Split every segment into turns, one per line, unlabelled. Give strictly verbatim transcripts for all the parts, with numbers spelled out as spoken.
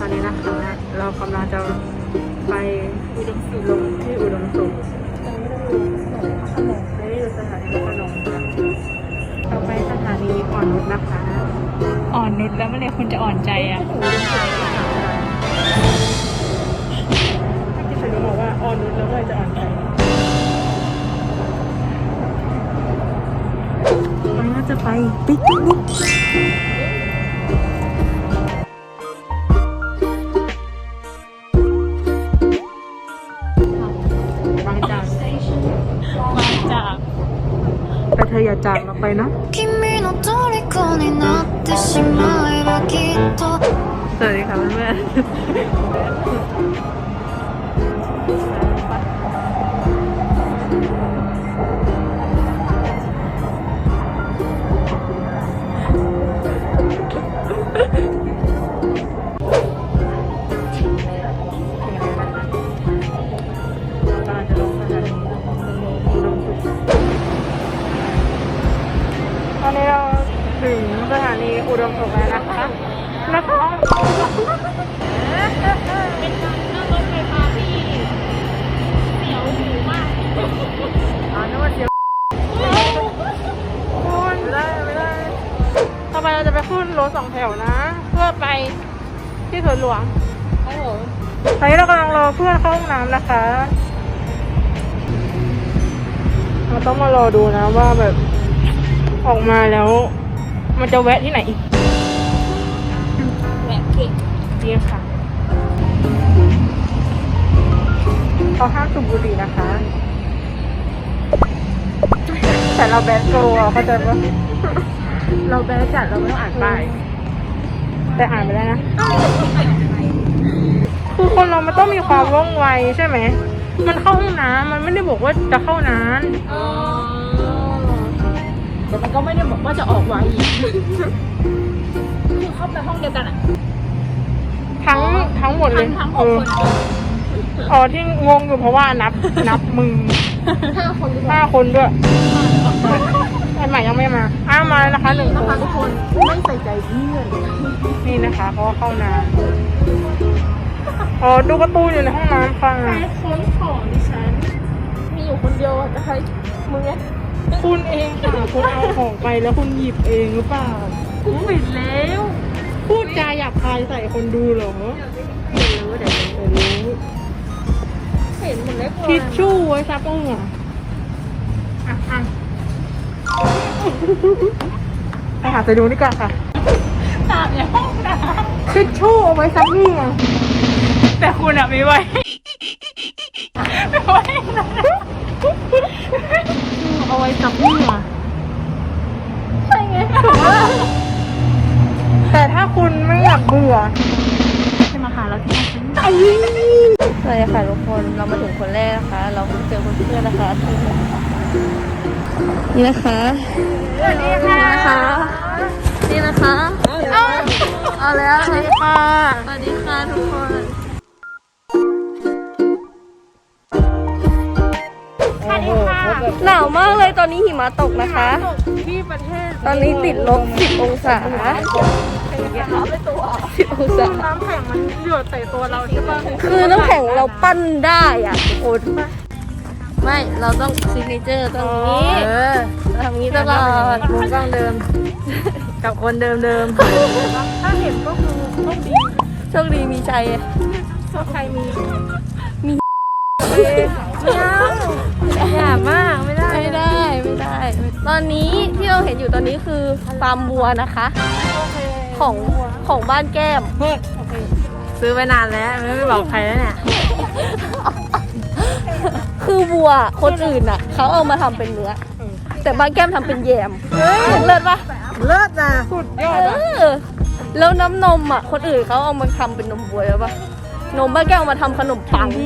อนนี้นะคะเรากำลังจะไปอุดมสุขลงที่อุดมสุขไม่ได้อยู่สถานีพระโขนงค่ะต่อไปสถานีอ่อนนุชนะคะ
อ่อนนุชแล้วเมื่อไหร่คุณจะอ่อนใจอ่ะ
ที่ฉันบอกว่าอ่อนนุชแล้วเมื่อไหร่จะอ่อนใจวันนี้จะไปปิกนิกบางจาก
บางจาก
แต่เธออย่าจากเราไปนะสวัสดีค่ะเพื่อนตอนนี้เราถึงสถานีอุดมสุขแล้วนะคะนะคะ
เป็นการนั่งรถไฟฟ้าที่เสียวหูมาก
อ๋อนึกว่าเสียวคุณไม่ได้ไม่ได้ต่อไปเราจะไปขึ้นรถสองแถวนะเพื่อไปที่สวนหลวงครับผมตอนนี้เรากำลังรอเพื่อนเข้าห้องน้ำนะคะเราต้องมารอดูนะว่าแบบออกมาแล้วมันจะแวะที่ไหนอีก
แวะเก่ง
ดีค่ะเขาห้ามสูบบุหรี่นะคะแต่เราแบนโกะเข้าใจปะเราแบนจัดเราไม่ต้องอ่านป้ายแต่อ่านไปได้นะคือคนเรามันต้องมีความว่องไวใช่ไหมมันเข้าห้องน้ำมันไม่ได้บอกว่าจะเข้านาน
แต่มันก็ไม่ได้บอกว่าจะออกไวคือเข้าไปห้องเดียวกันอะ
ทั้งทั้งหมดเลย
ทั้งหกคน
อ๋อที่งงอยู่เพราะว่านับนับมือห้าคนห้าคนด้วยไอ้ใหม่ยังไม่มาอ้ามานะคะหนึ่งคน
ทุกคนไม่ใส่ใจเพื่อน
นี่นะคะเพราะว่าเข้าน้ำอ๋อดูการ์ตูนอยู่ในห้องน้ำค่ะ
ใครค้นของดิฉันมีอยู่คนเดียวจะใครมึงไง
คุณเองค่ะคุณเอาของไปแล้วคุณหยิบเองหรือเปล่า
กูปิดแล้ว
พูดจาหยาบคายใส่คนดูเหรอ
ไม่รู้เดี๋ยวรู้เห็นหมดแล้ว
ทิชชู่ไว้ซับเหงื่ออ่ะอ่ะไปหาไปดูนี่ก่อนค่ะ
ตามในห้องน้
ำทิชชู่เอาไว้ซับเหงื่อแต่คุณอะไม่ไหวไม่ไหวเอาไว้ซับเหงื่อ
ใช่ไง
แต่ถ้าคุณไม่อยากเบื่อ
จะมาหาเราที่ไหน
สวัสดีค่ะทุกคนเรามาถึงคนแรกนะคะเราเพิ่งเจอคนเพื่อนนะคะนี่นะคะสวัสดีค่ะ
นี่นะคะ
เอาเอาแล้วสวัสดีค่ะ
สวัสดีค่ะทุกคน
หนาวมากเลยตอนนี้หิมะตกนะคะ
ที่ประเทศ
ตอนนี้ติดลบสิบองศาสิบองศาน้ำแข็งมันหยดใส่ตัวเราใช่ปะคือน้ำแข็งเราปั้นได้อ่ะโอ้
ไม่เราต้องซิกเนเจอร์ตรงนี้
เออทำงี้ตลอดมุมกล้องเดิมกับคนเดิมเดิมถ้าเห็นก็คือโชคดีโชคดีมีชัยโชคชัยมีมีไม่เอาหยาบมากไม่ได้
ไม่ได้ไม่ได้
ตอนนี้ที่เราเห็นอยู่ตอนนี้คือฟาร์มวัวนะคะของของบ้านแก้มซื้อไปนานแล้วไม่บอกใครแล้วเนี่ยคือวัวคนอื่นอ่ะเขาเอามาทำเป็นเนื้อแต่บ้านแก้มทำเป็นแยมเลิศปะเลิศนะสุดยอดแล้วน้ำนมอ่ะคนอื่นเขาเอามาทำเป็นนมวัวแล้วปะนมบ้านแก้มเอามาทำขนมปัง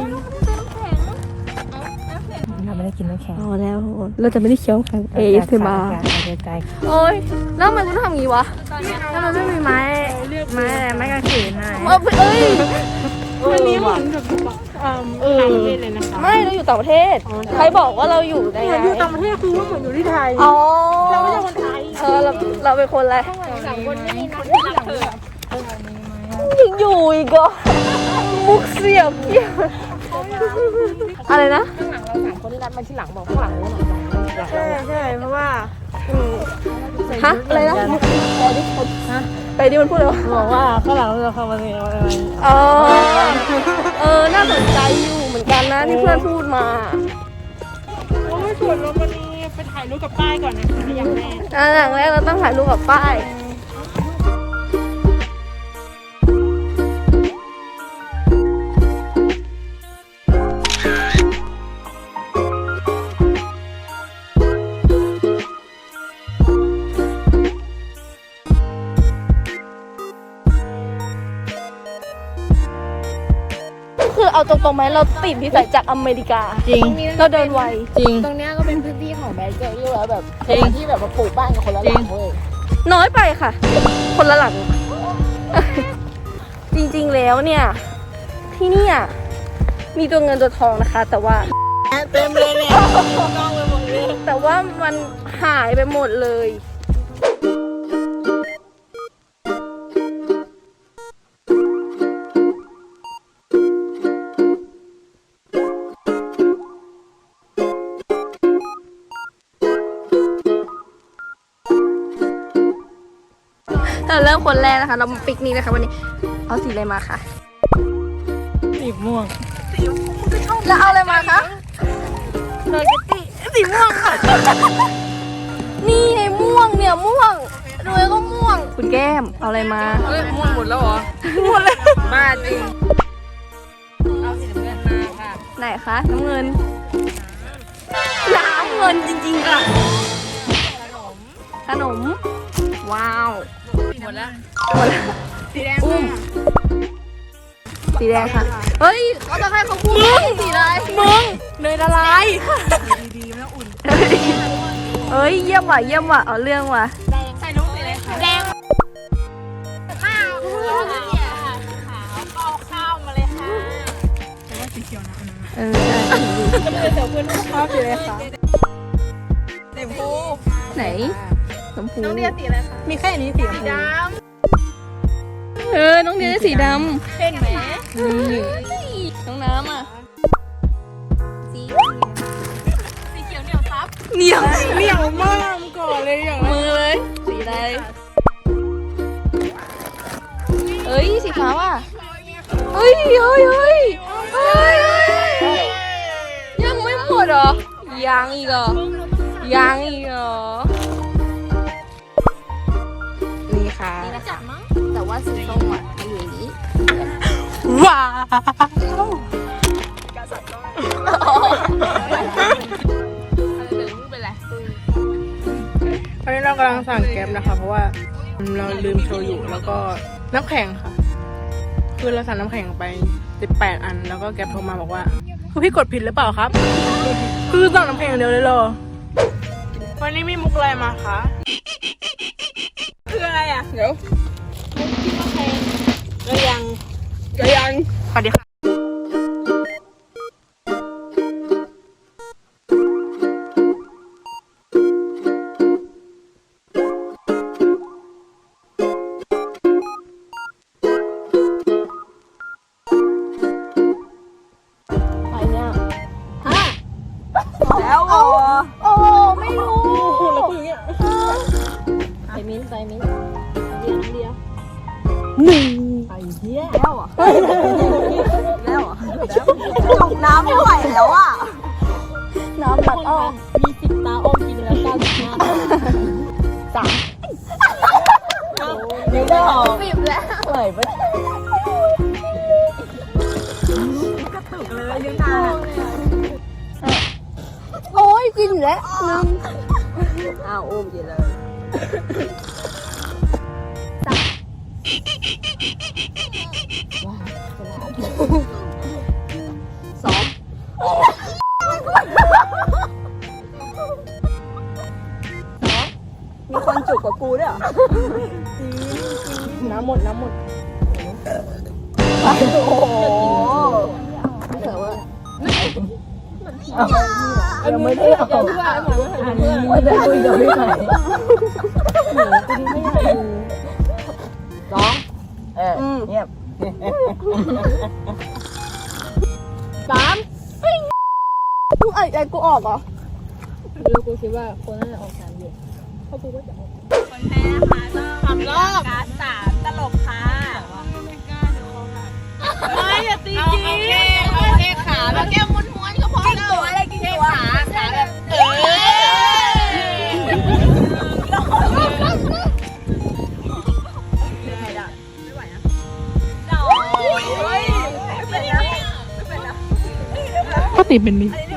เราไม่ได้กินน้ำแข็งอ๋อแล้วเราจะไม่ได้เคี้ยวแข็งเอสมาโอ้ยแล้วทำไมคุณต้องทำอย่างนี้วะถ้ามันไม่มีไม้ไม้ไม้กางเขนอะไรเอ้ยวันนี้เหมือนแบบเออต่างประเทศเลยนะคะไม่เราอยู่ต่างประเทศใครบอกว่าเราอยู่ในอยู่ต่างประเทศคือว่าเหมือนอยู่ที่ไทยอ๋อเราไม่ใช่คนไทยเออเราเราเป็นคนอะไรสามคนไม่มีนะที่รักเธอ
ถึง
อยู่อีกเหรอมุกเสียบเกี่ยวอะไรนะ
ข้างหลังเราสามคนที่นัดมาที่หลังบอกข้างหลังนู้นหน่อย
ใช่ใช่เพราะว่า
ฮะอะไรนะไปดิมันพูดเลยว่า
บอกว่าข้างหลังเราเข้ามาในอะไร
อ๋อเออน่าสนใจอยู่เหมือนกันนะที่เพื่อนพูดมา
โอ้ยส่วนเราวันนี้ไปถ่ายรูปกับป้ายก่อนนะคะอย่างแรก
อ่ะอย่างแรกเราต้องถ่ายรูปกับป้ายคือเอาตรงๆไหมเราติดที่ใส่จากอเมริกา
จริง
เราเดินไว
จริง
ตรงเนี้ยก็เป็นพื้นที่ของแบงค์เจอรี่แล้วแบบ
จริง
ที่แบบมาปลูกบ้านกับคนละหลังเว้ย
น้อยไปค่ะ คนละหลัง จริงๆแล้วเนี่ย ที่เนี่ยมีตัวเงินตัวทองนะคะ แต่ว่า
เต็มเลยเนี่ยกล้องไปหมดเลย
แต่ว่ามันหายไปหมดเลย เราเริ่มคนแรกนะคะ เรามาปิกนิกนะคะวันนี้ เอาสีอะไรมาคะ
สีม่วง
แล้วเอาอะไรมาคะเนยกะติสีม่วงค่ะ นี่ไงม่วงเนี่ยม่วงรวยก็ม่วง คุณแก้มเอาอะไรมา
เฮ้ยม่วงหมดแล้วเหรอ
หมดเลย
บ้าจริงเอาสีน้ำเงินมาค่ะ
ไหนคะน้ำเงินน้ำเงินจริงๆค่ะขนมว้าว
หมดแล้ว
หมดแล้ว
สีแดง
อุ้มสีแดงค่ะเฮ้ยเขาจะให้เขาพูดสีอะไรมึง
เนยละลาย
เอ้ยเยี่ยมว่ะเยี่ยมว่ะเอาเรื่องว่ะ
ใส่รูปสีอะไรคะแดงข้าวขาวข้าวมาเลยค่ะ
เออใช่
จะเป็นเสี่ยวเพื่อนชอบสีอะไรคะ
สีชมพู
ไหนชมพู
น้องเดียสีอะไรคะ
มีแค่นี้สีชมพู
ด
เออน้องเดียได้สีด
ำเห็นไหม
ำน้องน้ำอ่ะ
สีเขียวเหนียวซับ
เหนียว
เหนียวมากก่อนเลยอย่าง
มือเลยสีอะไรเอ้ยสีฟ้าว่ะเฮ้ยเฮ้ยเฮ้ยเฮ้ยเฮ้ยยังไม่หมดเหรอยังอีกเหรอยังอีกเหรอนี่ค่ะ
จับมั้ง
แต่ว่าสีส้มอ่ะมันอยู่อย่างนี้
ว้า ตอนนี้เรากำลังสั่งแก๊ปนะคะ เพราะว่าเราลืมโชว์อยู่แล้วก็น้ำแข็งค่ะ คือเราสั่งน้ำแข็งไปสิบแปดอัน แล้วก็แก๊ปโทรมาบอกว่าคือพี่กดผิดหรือเปล่าครับ คือสั่งน้ำแข็งอย่างเดียวเลยเหรอวันนี้มีมุกอะไรมาคะคืออะไรอ่ะเดี๋ยวก็ยังก็ยังสวัสดีค่ะแล้วอ๋อ
โอ้ไม่รู้
แล้วกูอย่างเงี้ย
ใส่มิ้นใส่มิ้นเดียวเดียว
หนึ่ง
ไอ้เหี้ย
แล้วอ่ะแล้วอ่ะจุกน้ำไม่ไหวแล้วอ่ะน้ำตัดอ้อ
มีสิบตาโอมกินแล้วเก้าสิบห้า
สาม
ยังได้หรอ
สิบแล้ว
ไหลปะ
โอ้ยกินแล้วลืม
อ้าวโอมกินเลย
สองมีคนจุกกว่ากูด้วยเหรอน้ำหมดน้ำหมดโอ้โหยังไม่ได้เอาไม่ได้คุยกับพี่ใหม่สองเออเงียบสามกูไอ้ไอ้กูออกเหรอแล้วกูคิดว่าคนน่าจะออกสามเดือนเพราะกูก็จะออก
คนแพ้นะคะต้องทำรอบการสามตลกค่ะไม่อย่าตีจริงเอาแค่ขาแล้วแก้มม้วนๆก็พอแล้วตัวอะไรกินตัวขาขาแบบเออไม่ได้ไม่ไหวนะโอ้ยไม่เป็นนะไม่เป็นนะ
ก็ตีเป็นมิ
อันนี้